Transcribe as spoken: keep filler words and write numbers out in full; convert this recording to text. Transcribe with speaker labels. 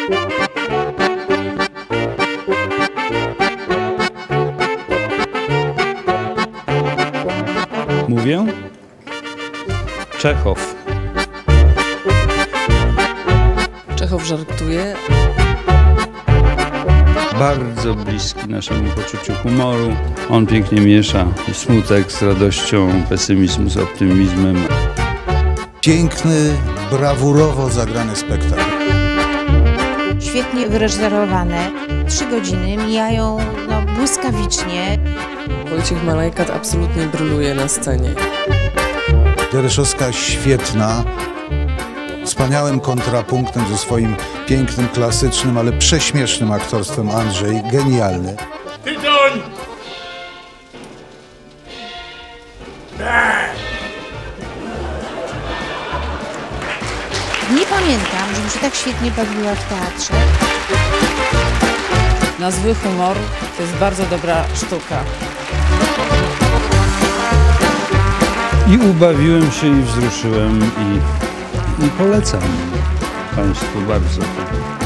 Speaker 1: Mówię? Czechow.
Speaker 2: Czechow żartuje.
Speaker 1: Bardzo bliski naszemu poczuciu humoru. On pięknie miesza smutek z radością, pesymizm z optymizmem.
Speaker 3: Piękny, brawurowo zagrany spektakl.
Speaker 4: Świetnie wyreżyserowane. Trzy godziny mijają no, błyskawicznie.
Speaker 2: Wojciech Malajkat absolutnie bryluje na scenie.
Speaker 3: Dereszowska świetna, wspaniałym kontrapunktem ze swoim pięknym, klasycznym, ale prześmiesznym aktorstwem Andrzej. Genialny.
Speaker 5: Tytoń!
Speaker 4: Nie pamiętam, żebym się tak świetnie bawiła w teatrze.
Speaker 6: Na zły humor to jest bardzo dobra sztuka.
Speaker 1: I ubawiłem się, i wzruszyłem, i, i polecam Państwu bardzo.